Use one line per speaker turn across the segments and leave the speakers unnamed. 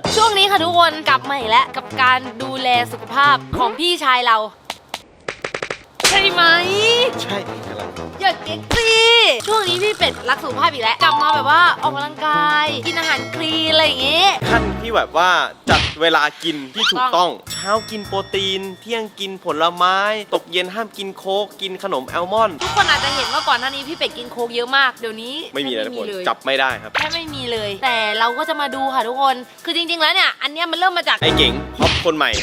ช่วงนี้ค่ะทุกคนกลับมาอีกแล้วกับการดูแลสุขภาพของพี่ชายเราใช่ไหม
ใช่อะไร
อย่าเก๊กสิช่วงนี้พี่เป็ดรักสุขภาพอีกแล้วกลับมาแบบว่าออกกำลังกายกินอาหารคลีนอะไรอย่างเงี้ย
ขั้นที่แบบว่าจัดเวลากินที่ถูกต้องเช้ากินโปรตีนเที่ยงกินผลไม้ตกเย็นห้ามกินโค้กกินขนมแอลมอนด์
ทุกคนอาจจะเห็นว่าก่อนหน้านี้พี่เป็ดกินโค้กเยอะมากเดี๋ยวนี้
ไม่มีเลยทุกคนจับไม่ได้ครับ
แค่ไม่มีเลย แต่เราก็จะมาดูค่ะทุกคนคือจริงๆแล้วเนี่ยอันเนี้ยมันเริ่มมาจาก
ไอ้เก๋งฮอปคนใหม่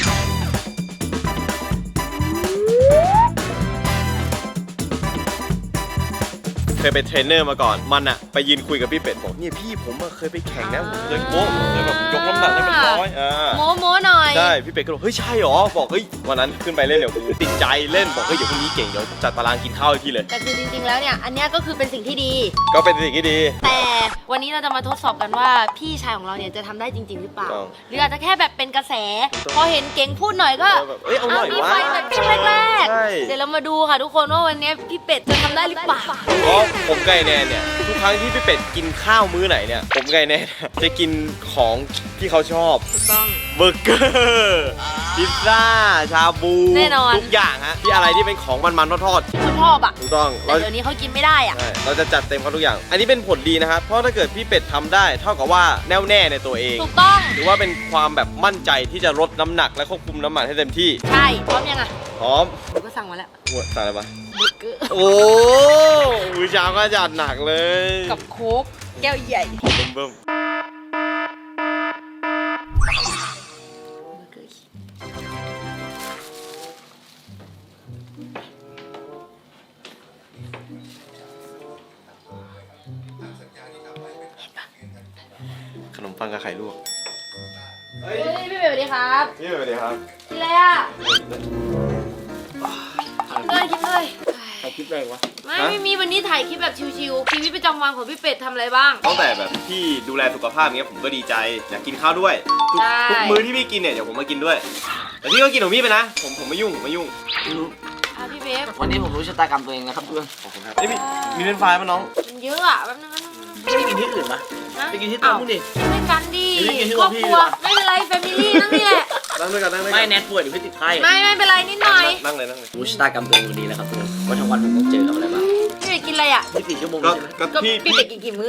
เคยเป็นเทรนเนอร์มาก่อนมันอะไปยืนคุยกับพี่เป็ดบอกเนี่ยพี่ผมเคยไปแข่งนะผมเคยโค้งเคยแบบยกน้ำหนักได้เป็นร้อย
โม้หน่อย
ใช่พี่เป็ดก็บอกเฮ้ยใช่หรอบอกเฮ้ยวันนั้นขึ้นไปเล่นเดี๋ยวกูติดใจเล่นบอกเฮ้ยเดี๋ยวพรุ่งนี้เก่งเดี๋ยวจัดตารางกินข้าวให้พี่เลย
แต่คือจริงๆแล้วเนี่ยอันเนี้ยก็คือเป็นสิ่งที่ดี
ก็เป็นสิ่งที่ดี
แต่วันนี้เราจะมาทดสอบกันว่าพี่ชายของเราเนี่ยจะทำได้จริงๆหรือเปล่าหรืออาจจะแค่แบบเป็นกระแสพอเห็นเก่งพูดหน่อยก็
มีไฟ
แบบช่วงแรกๆเดี๋ยวเรามาดูค่ะทุกคนว่าวันนี้พี่เป็ดจะทำได้หรือเปล่า
เพราะผมไก่แน่เนี่ยทุกครั้งที่พี่เป็ดกินข้าวมื้อไหนเนี่ยผมไก่แน่จะกินของที่เขาชอบ
ถูกต้อง
เบอร์เกอร์พิซซ่าชาบู
แน่นอน
ทุกอย่างฮะที่อะไรที่เป็นของมันๆทอด
ๆชอบอ่ะ
ถูกต้อง
แต่เดี๋ยวนี้เขากินไม่ได้อ่ะ
เราจะจัดเต็มเขาทุกอย่างอันนี้เป็นผลดีนะครับเพราะถ้าเกิดพี่เป็ดทำได้เท่ากับว่าแน่วแน่ในตัวเอง
ถูกต้อง
หรือว่าเป็นความแบบมั่นใจที่จะลดน้ำหนักและควบคุมน้ำมันให้เต็มที่
ใช่พร้อมยังอ่ะ
พร้อม
ผมก็สั่งมาแล้ว
สั่งอะไรมา
เบอร์เกอร์
โอ้มื้อเช้าก็จัดหนักเลย
กับโค้กแก้วใหญ่
เบิ่มขนมปังกับไข่ลวก
เฮ้ยพี่เบลสวัสดีครับ
พี่สวัสดีครับ
กินอะไรอ่ะกินเลย
ถ่ายคลิปอะไรวะ
ไม่มีวันนี้ถ่ายคลิปแบบชิวๆชีวิตประจำวันของพี่เป็ดทำอะไรบ้าง
ตั้งแต่แบบพี่ดูแลสุขภาพเงี้ยผมก็ดีใจอยากกินข้าวด้วยทุกมื้อที่พี่กินเนี่ยเดี๋ยวผมมากินด้วยแต่พี่ก็กินของพี่ไปนะผมไม่ยุ่ง
พี่เบฟ
วันนี้ผมรู้ชะตากรรมตัวเองนะครับเพื่อน
ขอบคุณครับนี่มีเป็นไฟล์มั้ยน้อง
มันเยอะอ่ะแป๊บนึง
ไม่ได้กินที่อื่นปะไปกินที่โต๊ะมึงดิ
ไม่กันดิครอบครัวไม่เป็นไรแฟมิลี่นั่งนี่แหละ
นั่งด้วยกัน
ไม่แนทป่วยหรือพี่ติดไข้
ไม่เป็นไรนิดหน่อย
นั่งเลย
รู้ชะตากรรมตัวเองวันนี้นะครับเพื่อนว่าทั้งวันผมต้องเจอกับอะไรบ้าง
พี่เป็ดกินอะไรอ่ะ
24 ชั่วโมง
ก็พี่เป็ดกินกี่มื้อ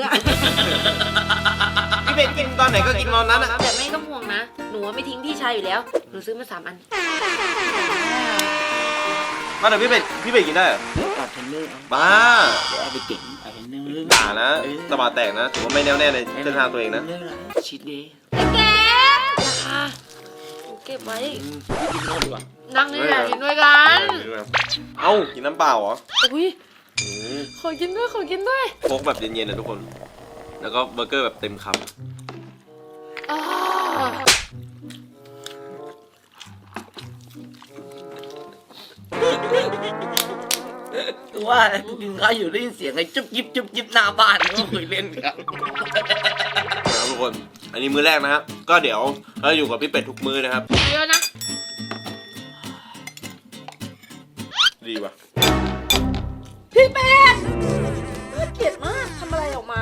พี่เป็ดกินตอนไหนก็กินตอนนั้นนะ
แต่ไม่ต้องห่วงนะหนูไม่ทิ้งพี่ชายอยู่แล้วหนูซื้อมา3 อัน
มาเดี๋ยวพี่เป็ดกินได้เหรอ
เทรนเนอร์
บ้า
เดี๋ยวไปเก่งเทรนเนอร์
ด่านะสบายแตกนะถือว่าไม่แน่วแน่ในเส้นทางตัวเองนะ
ชีทเดย์
แกเก็บไว้นั่งนี่แหละกินด้วยกัน
เอ้ากินน้ำเปล่าเหรอ
อุ้ยขอกินด้วย
โค้กแบบเย็นๆนะทุกคนแล้วก็เบอร์เกอร์แบบเต็มคำ
ว่ากินข้าวอยู่ได้ยินเสียงไอ้จุ๊บยิบหน้าบ้านก็คุยเล่นกัน
ทุกคนอันนี้มื้อแรกนะครับก็เดี๋ยวเราอยู่กับพี่เป็ดทุกมื้อนะครับ
เยอะนะ
ดีว่ะ
พี่เป็ดน่าเกลียดมากทำอะไรออกมา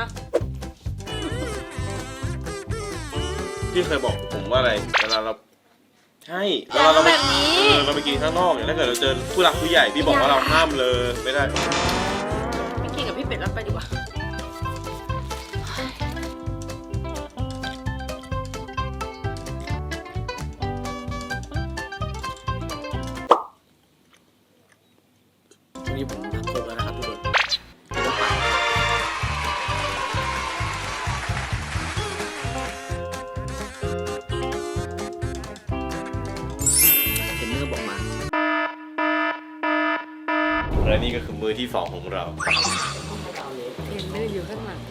พี่เคยบอกผมว่าอะไรเวลาเราใช่
เราแบบนี้
เราไปกินข้างนอกเนี่ยถ้าเกิดเราเจอผู้หลักผู้ใหญ่พี่บอกว่าเราห้ามเลยไม่ได้
ไม่กินกับพี่เป็ดแล้วไปดีกว่า
วันนี้ผมทำโค้กแล้วนะครับทุกคนบอกมา
และนี่ก็คือมื้อที่2ของเรา
เห็นไม่ได้อยู่ข้างหลัง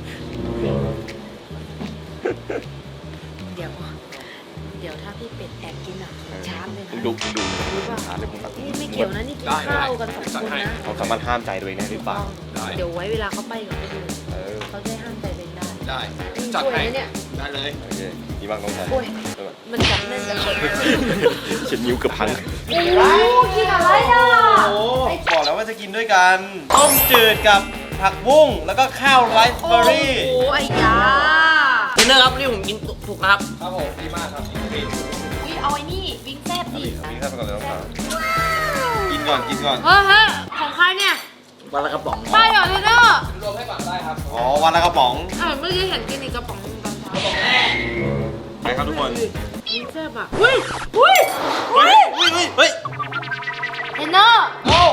เดี๋ยวถ้าพี่เป็ดแอบกินอ่ะช้าเลยนะ
ดู
รู้ป่ะนี่ไม่เกี่ยวนะนี่กินข้าวกัน2 คนนะ
เขาสามารถห้ามใจตัวเองได้หรือเปล่า
เดี๋ยวไว้เวลาเขาไปกับคนอื่นเขาจะห้ามใจตัวเองได้จัดให้เนี่ย
ได้เลยโอเคดีมากน้องชาย
มันจับแน่นจังเลย
เช็ดนิ้วกับพัง
โอ้กินอะไรอ่ะ
โอ้บอกแล้วว่าจะกินด้วยกันต้มจืดกับผักบุ้งแล้วก็ข้าวไรซ์เบอร์รี่
โอ้ไอ้ยา
เทรนเนอร์ครับนี่ผมกินถูกนะครับ
ครับผมดีมากครับพี่
อุ้ยเอาไอ้นี่วิงแซ่บดิ
มีข้าวไปก่อนเลยน้องสาวกินก่อนกินก่อน
เฮ้ยของใครเนี่ย
วันละกระป๋อง
ป้าเหรอเทนเนอร์
รวมให้ก่อนได้ครับอ๋อวันละกระป๋อง
เมื่อกี้เห็นกินอีกกระป๋องนึงตอนเช้า
ไปครับทุกคน
วิงแซ่บอ่ะอุ้ย
เฮ้ยเฮ้ย
เทนเนอร์
โอ้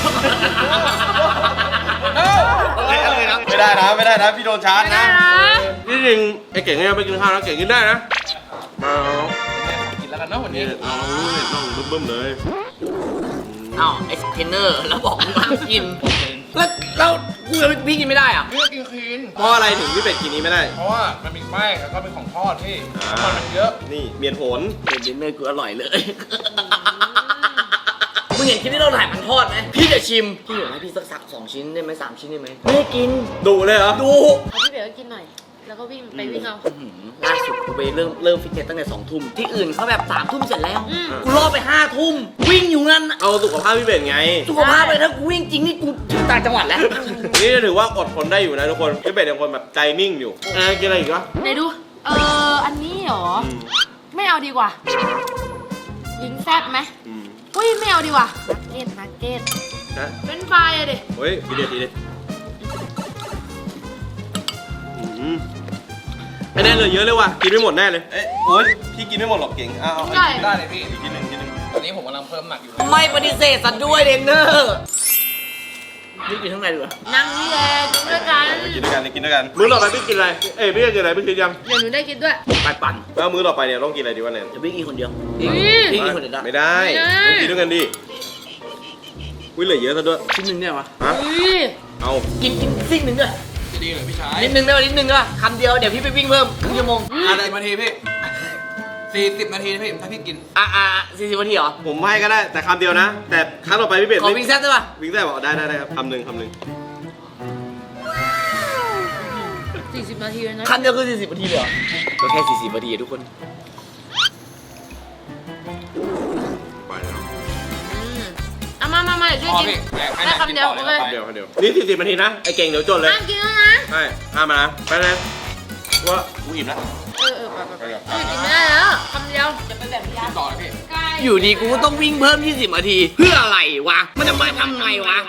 อะไรนะไม่ได้นะพี่โดนชาร์จนะนี่จริงไอ้เก่งเนี่ยไปกินข้าวแล้วเก่งกินได้นะมากินแล้วกันเนาะวันนี้เราต้องบึ้มๆเลย
อ้าวไอ้เทรนเนอร์แล้วบอกมึงกินแล้วกูจะพี่กินไม่ได้อ่ะ
พี่ก็กินคลีน
เพราะอะไรถึงพี่เป็ดกินนี้ไม่ได้
เพราะว่ามันมีแป้งแล้วก็เป็นของทอดที่น้ำมันมันเยอะ
นี่เมียนโหน
เทรนเนอร์กูอร่อยเลยมึงเห็นคลิปที่เราถ่ายมันทอดไหมพี่จะชิมพี่อยากให้พี่สัก2 ชิ้นได้ไหม3 ชิ้นได้ไหมไม่ได้กิน
ดุเลยเหรอ
ดู
เอาพี่เบลก็กินหน่อย แล้วก็วิ่งไปวิ่งเอา
ล่าสุดกูไปเริ่มฟิตเนสตั้งแต่2 ทุ่มที่อื่นเขาแบบ3 ทุ่มเสร็จแล้ว
อืม
กูรอไป5 ทุ่มวิ่งอยู่งั้นน่ะ
เอาสุขภาพพี่เป็ดไง
สุขภาพเลยถ้ากูวิ่งจริงนี่กูถึงต่างจังหวัดแล้ว
นี่ถือว่าอดทนได้อยู่นะทุกคนพี่เป็ดเป็นคนแบบใจนิ่งอยู่กินอะไรอีกวะ
ไหนดู อันนี้เหรอ ไม่เอาดีกว่าวิงแซ่บไหมอุ้ยไม่เอาดีกว่านักเก็ต
นะ
เป็นไฟอะดิ
เฮ้ยดีเด็ดไม่แน่เลยเยอะเลยว่ะกินไม่หมดแน่เลยเอ้ยโอ๊ยพี่กินไม่หมดหรอกเก่งเอา
ใช่
ได้เลยพี่
อีกทีหนึ่ง
ตอนนี้ผมกำลังเพิ่มน้ำหนักอยู่
ไม่ปฏิเสธสัตว์ด้วยเทรนเนอร์นี่กินทั้งในดีกว่า
นั่งนี่แหละกินด้วยกัน
กินด้วยกันมื้อต่อไปพี่กินอะไรพี่จะกินอะไรพี่กินยัง
เดี๋ยวหนูได้กินด้วย
ไปปั่น
แล้วมื้อต่อไปเนี่ยต้องกินอะไรดีวะแนน
เดี๋ยวพี่กินคนเดียว
อืม
พี่กินคนเดียวได้
ไม่ได้ต้องกินด้วยกันดิอุ้ยเหลือเยอะซะด้วย
ชิ้นหนึ่งเนี่ยวะ
ฮะ
อุ้ย
เอา
กินซิ่งหนึ่งด้วย
จะดีเลยพี่ชาย
นิดนึงได้ป่ะนิดนึงได้ป่ะคำเดียวเดี๋ยวพี่ไปวิ่งเพิ่มครึ่งชั่วโมง
40 นาทีพี่40 นาทีนะพี่ถ้าพี่กิน
40 นาทีเหรอ
ผมให้ก็ได้แต่คำเดียวนะ แต่ครั้งต่อไปพี่เป็ด
ขอวิ่งแซ่บได้ป่ะ
วิ่งได้บอกได้ครับคำหนึ่ง
40 นาทีเลยนะ
คำเดียวคือ40 นาทีเลยเหรอก็แค่40 นาทีอะทุกคน
ไปแล้ว
เอามาเดี๋ยวช่วย
พอ
กิน
พี่ให้
ได้คำเดียว
กินต่อ
โอเค
เลย
คำเดียวนี่40 นาทีนะไอ้เก่งเดี๋ยวจดเลย
ห้ามกินแล้วนะ
ใช่ห้ามมานะไปเลยว่ากูอิ่มแล้ว
ไปกินไม่ได้แล้วคำเดียวจะเป็นแบบนี้
กินต่อเลยพี่
ใกล้
อยู่ดีกูก็ต้องวิ่งเพิ่ม20 นาที เพื่ออะไรวะ มันจะมาทำไงวะ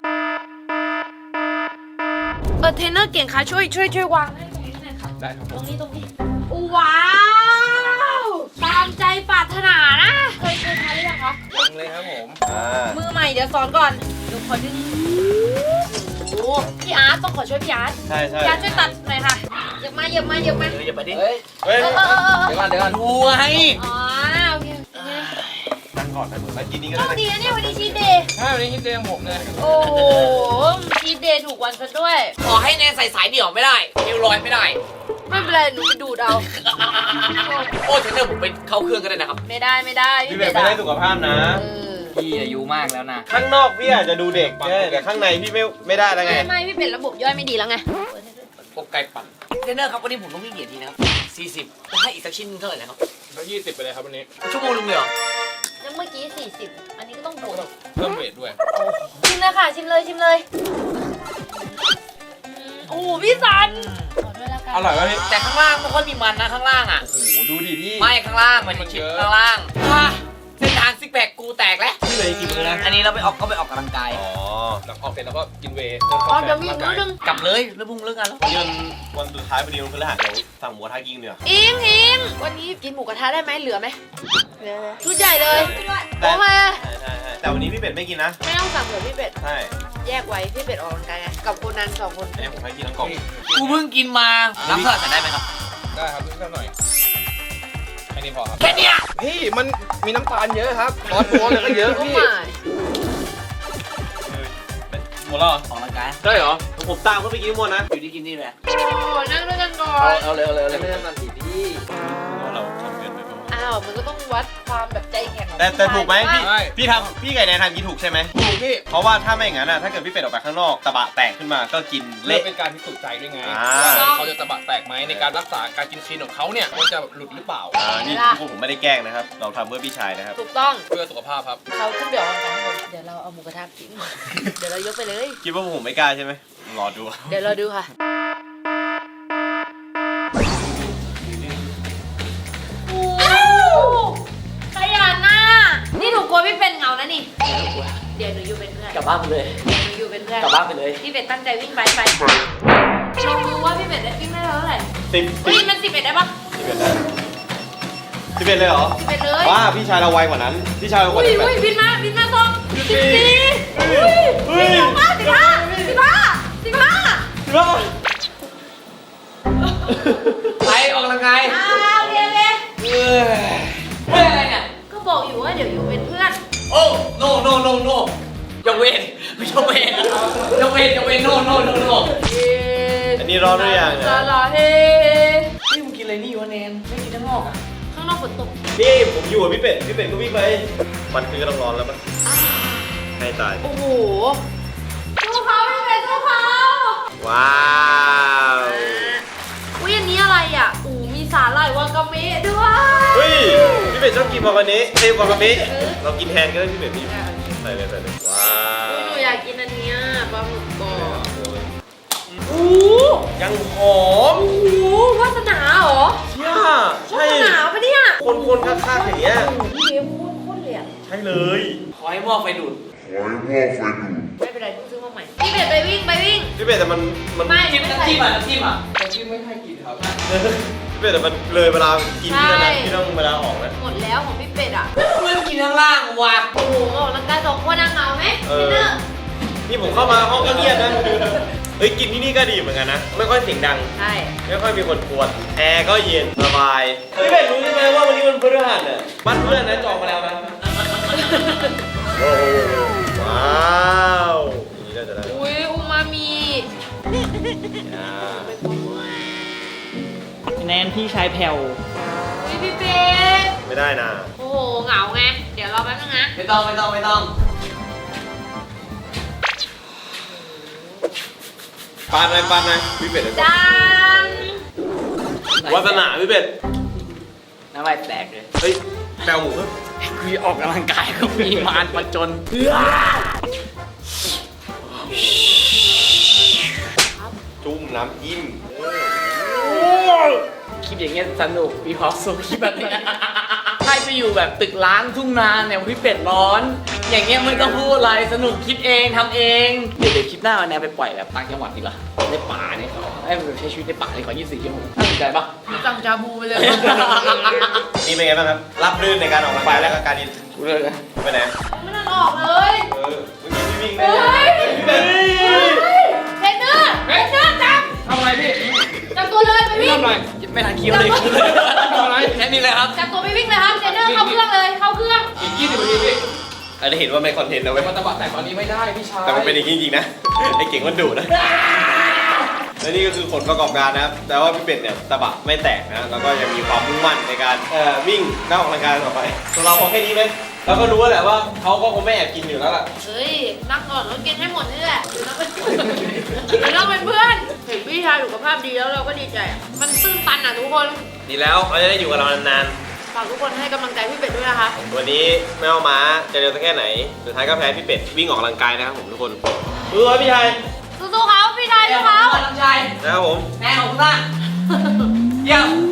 เทรนเนอร์เก่งค่ะช่วยวางให้ตรงนี้หน่อยค่ะ
ได้ครับ
ตรงนี้ว้าวตามใจปรารถนานะเคยทานหรือยังคะ
ยังเลยครับผม
มือใหม่เดี๋ยวสอนก่อนเดี๋ยวขอดึงโอ้พี่อาร์ตต้องขอช่วยพี่อาร์ต
ใช่
พี่อาร์ตช่วยตัดหน่อยค่ะเหยียบมา
เดี๋ยวอย่าไปดิ
เฮ้ย
เฮ้ย
เออ
เดี๋ยวก่อน
ดูไง
อ๋อโอเค
นั่งก่อนนะแล้วกินนี้ก็
โช
ได้
คดีนะเนี่ยวันนี้ชีทเดย์
ถ้าวันนี้คิดเองผมเลย
โอ้โหชีทเดย์ถูกวันซะด้วย
ขอให้แนนใส่สายเดี่ยวไม่ได้เอวลอยไม่ได้
ไม่เป็นไรหนูไปดูดเอา
โอ้เทรนเนอร์ผมไปเข้าเครื่องก็ได้นะครับ
ไม่ได้
พี่
พี่
เป็
เป็
ด
ด
ไม่ได้สุขภาพนะ
พี่อายุมากแล้วนะ
ข้างนอกพี่อาจจะดูเด็กแต่ข้างในพี่ไม่ได้แล้วไง
ไม่พี่เป็ดระบบย่อยไม่ดีแล้วไง
พวกไก่ปั่น
เทรนเนอร์ครับวันนี้ผมต้องวิ่งกี่นาทีนะครับ40ให้อีกสักชิ้นเท่าไหร่นะครับ
แล้ว20ไปเลยครับวันนี้
ชั่วโมงนึงเลยเหรอ
แล้วเมื่อกี้40อันนี้ก็ต้องบวก
เพิ่มเวทด้วย
ชิมเลยค่ะชิมเลยโอ้โหพี่สันขอด้วยละกัน
อร่อยไหมพี่
แต่ข้างล่างไม่ค่อยมีมันนะข้างล่างอ่ะ
โอ้โหดูดิพี่
ไม่ข้างล่างมันชิ้นข้างล่างเส้นทางซิกแพคกูแตกแล้ว
พี่เลยกี่มือนะ
อันนี้เราไปออกกำลังกาย
อ๋อ
หลังออกเสร็จแล้วก็กินเวย์
อ๋อเดี๋ยวมีอีกมื้อนึง
กลับเลยแล้วพรุ่งเลิกงานแล้ว
วันสุดท้ายพอดีวันพฤหัสเดี๋ยวสั่งหมูกระทะกินเดี๋ยว
อิงวันนี้กินหมูกระทะได้ไหมเหลือไหมเหลือชุดใหญ่เลย
แต่
โอเค
ใช่แต่วันนี้พี่เป็ดไม่กินนะ
ไม่ต้องสั่งเผื่อพี่เป็ด
ใช่
แยกไว้พี่เป็ดออกกำลังกายไงกับคนนั้น2 คน
อันนี้ผมให้กินทั้งกล่อง
กูเพิ่งกินมารับเท่าไหร่ได้ไหมครับ
ได้ครับนิดหน่อยแค่นี้พอครับ
แค่เนี้ย
พี่มันมีน้ำตาลเยอะครับซอสตัวเลยก็เยอะ
โอ้
พี่
my
หมดแล้วเหรอ
ออกกำลังกาย
ใช่เหรอผมตามเขาไปกินหมดนะ
อยู่ที่กินนี่แหละ
โอ้นั่งด้วยกันก่อน
เอาเลย
ไม่ได้มาสีพี่
เราทำเกินไปป่ะ
อ้าวมันก็ต้องวัดความแบบใจแข็งของ
แต่ถูกไหมพี่
ใช่
พี่ไก่แนนทำกินถูกใช่ไหม
ถูกพี่
เพราะว่าถ้าไม่อย่างนั้นนะถ้าเกิดพี่เป็ดออกไปข้างนอกตะบะแตกขึ้นมาก็กิน
เละ
เละ
เป็นการพิสูจน์ใจด้วยไง
อ่า
ว่าเขาจะตะบะแตกไหมในการรักษาการกินคลีนของเขาเนี่ยมันจะหลุดหรือเปล่า
นี่พวกผมไม่ได้แกล้งนะครับ เราทำเพื่อพี่ชายนะครับ
ถูกต้อง
เพื่อสุขภาพครับ
เขาขึ้นเดี๋ยวออกกำลังกายข้างบนเดี๋ยวเราเอาหมูกระทะกิน เดี๋ยวเรายกไปเลย
คิดว่าพวกผมไม่กล้าใช่ไหมรอดู
เดี๋ยวเราดูค่ะเดี๋ยวหนูอยู่เป็นเพื่อน
กลับบ้านไปเลย
หนูอยู่เป็นเพื่อน
กลับบ้านไปเลย
พี่เป็ดตั้งใจวิ่งไปลองดูว่าพี่เป็ดได้วิ่งได้เท่าไหร่
10
เฮ้ยมัน11ได้ปะ
11ได้11เลยเหรอ
11เลย
ว้าพี่ชายเราไวกว่านั้นพี่ชายเรากว่า
อุ้ย
นั้น
อุ้ยบินมาส่ง14อุ้ย
เฮ้ย
เร็วมาก15
ไปออกกำลังกาย
โอเค
เฮ้ยอะไรเนี่ย
ก็บอกอยู่ว่าเดี๋ยวอยู่เป็นเพื่อน
โอ้โนยกเว้นยกเว้นโน
อันนี้ร้อนหรือยังเนี่ย
ซาลาเฮ
นี่มึงกินอะไรนี่วะแนนไม่กินทั้งนอกอ่ะ
ข้างนอกฝนตก
นี่ผมอยู่กับพี่เป็ดก็วิ่งไปมันคือก็ต้องร้อนแล้วปะให้ตาย
โอ้โหสู้เขาพี่เป็ดสู้เขา
ว้าว
อุ้ยอันนี้อะไรอ่ะมีสาหร่ายวากาเมะด้วย
เฮ้ยพี่เป็ดชอบกินวากาเมะวากาเมะเรากินแทนก็ได้พี่เป็ดพี่ใส่เลยว้า
อุ๊ยว หนูอยากกินอันเนี้ยปลาหมึกกรอบโอ้
ยังหอม
โหวาสนาเหรอ
เชี่ยว
า
ใช่
สนาปะเนี่ย
คนๆคักๆอย่างเงี้ย
พี่เบฟพูดโคตรเลยอ่ะ
ใช่เลย
ขอให้หม้อไฟดูด
ไม่เป็นไรเพิ่งซื้อมาใหม่พี่เป็ดไปวิ่ง
พี่เป็ดแต่มัน
ไม่
น้ำจิ้มอ่ะน้ำจิ้มอ่ะ
พี่เป็ดแต่มันเลยเวลากินที่นั่นนะพี่ต้องเวลาออกนะ
หมดแล้วของพี่เป็ดอ่ะ
มันกินข้างล่างว่ะ
โอ้โหออกกำลังกาย2 คนนั่งเหงาไหมพี่เนอร์
นี่ผมเข้ามาห้องก็เงียบนะเฮ้ยกินที่นี่ก็ดีเหมือนกันนะไม่ค่อยเสียงดัง
ใช่
ไม่ค่อยมีคนกวนแอร์ก็เย็นสบายพี่เป็ดรู้ใช่ไหมว่าวันนี้มันพฤหัสเนี่ยบ้านเพื่อนนะจองมาแล้วนะว้าวอย่างนี้น่าจะได้
อุ้ยอูมามิ
อ่า
แนนพี่ชายแผ่ว
อุ้ยพี่เป็ด
ไม่ได้นะ
โอ้โหเหงาไงเดี๋ยวรอแป๊บนึงนะ
ไม่ต้อง
ปานไหมพี่เป็ด
จัง
วาสนาพี่เป็ด
น้ำลายแตกเลย
เฮ้ยแปลหมูเพิ่ม
คุยออกกำลังกายก็มีมารมาจน
จุ่มน้ำจิ้ม
คลิปอย่างเงี้ยสนุกมีความสุขคลิปแบบนี้ให้ไปอยู่แบบตึกร้างทุ่งนาเนี่ยพี่เป็ดร้อน อย่างเงี้ยไม่ต้องพูดอะไรสนุกคิดเองทำเองเดี๋ยวคลิปหน้าวันนี้ไปปล่อยแบบต่างจังหวัดดีกว่าในป่าเนี่ยเขาให้มันใช้ชีวิตในป่าในขอ24 ชั่วโมงน่าสนใจปะ
สั่งจาบูไปเลย
นี่เป็นไงบ้างครับ รับรื่นในการออกกำลังกายและก็การดิน
กูเลยนะ
ไปไหน
ไม่ต้องออกเลย
เออเมื่อกี้พี่วิ่งได้
เฮ้ย
พี่เป็ด
เทรนเนอร์จับ
ทำอะไรพี่
จับตัวเลยไปวิ่ง
ทำอะไรไม่ทันคิวเลยทำอะไรแค่นี้เลยครับ
จับตัวไปวิ่งเลยครับเทรนเนอร์เข้าเครื่องเลยเข้าเครื่อง
อีก20 นาทีพี่
อันนี้เห็นว่าไม่คอนเทนต์นะเว้ย
มันตะบัดแต่ตอนนี้ไม่ได้พี่ชาย
แต่มันเป็นอย่างนี้จริงๆนะ ไอ้เก่งมันดุนะ และนี่ก็คือผลประกอบการนะครับ แต่ว่าพี่เป็ดเนี่ยตะบะไม่แตกนะ แล้วก็ยังมีความมุ่งมั่นในการวิ่งและออกกำลังกายต่อไปส่วนเราพอแค่นี้ไหมเราก็รู้แล้วแหละว่าเขาก็คงไม่แอบกินอยู่แล้วล่ะ
เฮ้ยนั่งก่อนแล้วกินให้หมดนี่แหละเดี๋ยวเราเป็นเพื่อนเห็นพี่ชายสุขภาพดีแล้วเราก็ดีใจอะมันตื้นตันอ่ะทุกคน
ดีแล้วเขาจะได้อยู่กับเรานาน
ฝากทุกคนให้กำลังใจพี่เป็ดด้วยนะคะ
ๆ วันนี้ไม่เอาม้าจะเร็วสักแค่ไหน สุดท้ายก็แพ้พี่เป็ดวิ่งออกกำลังกายนะครับผมทุกคนสู้ๆพี่ชาย
สู้ๆเขาพี่ชายสู้เขา
น้ำชาย
นะครับผม
แม่ของคุณล่ะเยี่ยม